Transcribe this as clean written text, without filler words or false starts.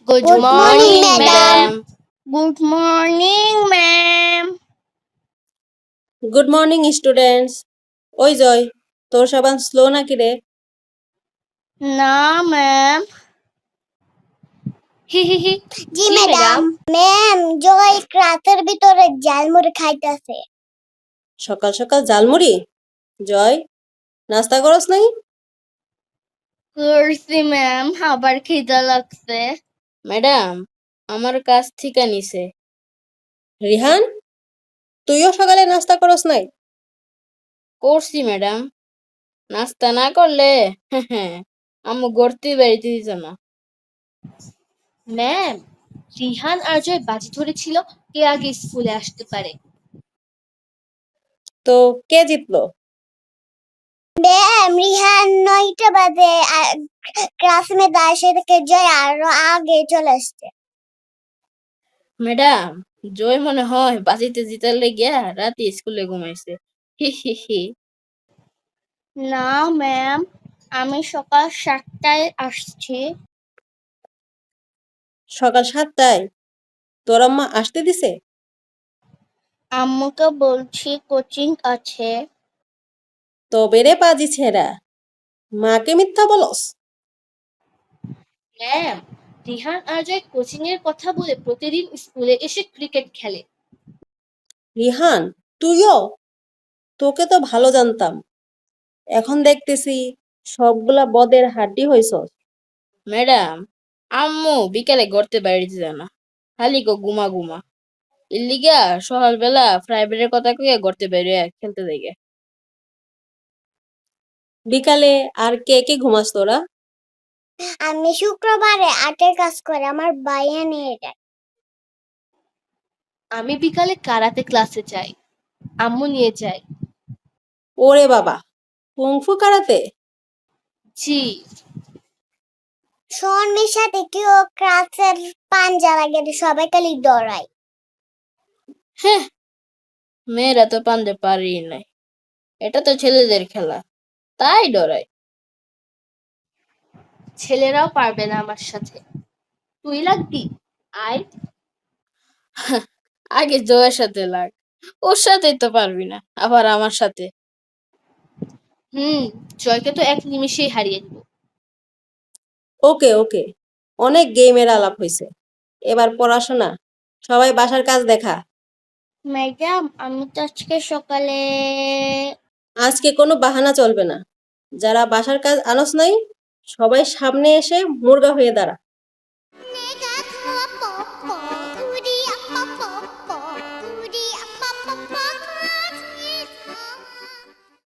Good Good morning, madam. Good morning, ma'am. Good morning students. ওই জয়, তোর সাবান slow নাকি রে? না, ma'am. হি। জি ম্যাডাম। ম্যাম, জয় ক্লাসের ভিতরে ঝালমুড়ি খাইতেছে। সকাল সকাল ঝালমুড়ি? জয়, নাস্তা করস নাই? করছি ম্যাম, আবার খিদা লাগছে। ম্যাডাম, আমার কাছ থেকে নিছে। রিহান, তুইও সকালে নাস্তা করস নাই? করছি ম্যাডাম। নাস্তা না করলে আম্মু গড়তে বাড়িতে দিত না। ম্যাম, রিহান আর জয় বাজি ধরেছিল কে আগে স্কুলে আসতে পারে। তো কে জিতলো? ম্যাম, রিহান 9টা বাজে ক্লাসমেট আসে থেকে জয় আরো আগে চলে আসছে। ম্যাডাম, জয় মনে হয় বাজিতে জিতার লেগিয়া রাতে স্কুলে ঘুমাইছে। হি। না ম্যাম, আমি সকাল 7টায় আসছি। সকাল 7টায়? তোর আম্মা আসতে দিছে? আম্মুকে বলছি কোচিং আছে। তবে রে পাজি ছেঁড়া, মাকে মিথ্যা বলস? ম্যাম, রিহান আর জয় কোচিং এর কথা বলে প্রতিদিন স্কুলে এসে ক্রিকেট খেলে। রিহান, তুইও? তোকে তো ভালো জানতাম, এখন দেখতেছি সবগুলা বদের হাড্ডি হইছস। ম্যাডাম, আম্মু বিকালে গড়তে বাড়িতে যায় না, খালি গুমা গুমা। এর লিগা সকালবেলা প্রাইভেটের কথা কইয়া গড়তে বেরিয়ে খেলতে দেখে। বিকালে আর কে কে ঘুমাস তোরা? আমি শুক্রবারে আর্টের কাজ করে আমার ভাইয়া নিয়ে যায়। আমি বিকালে কারাতে ক্লাসে যাই, আম্মু নিয়ে যায়। ওরে বাবা, কুংফু কারাতে? জি। সোহনের সাথে কেউ ক্লাসের পাঞ্জা লাগে সবাই খালি দৌড়ায়। হ্যাঁ, মেয়েরা তো পানতে পারি নাই, এটা তো ছেলেদের খেলা, তাই ডরাই। ছেলেরাও পারবে না আমার সাথে। তুই লাগবি? আয়। আগে জয়ের সাথে লাগ, ওর সাথেই তো পারবি না, আবার আমার সাথে। জয়কে তো এক নিমিষেই হারিয়ে দিব। ওকে ওকে, অনেক গেমের আলাপ হইছে, এবার পড়াশোনা। সবাই বাসার কাজ দেখা। ম্যাডাম, আমি তো আজকে সকালে আজকে কোনো বাহানা চলবে না। যারা বাসার কাজ আনস নাই, সবাই সামনে এসে মুর্গা হয়ে দাঁড়া।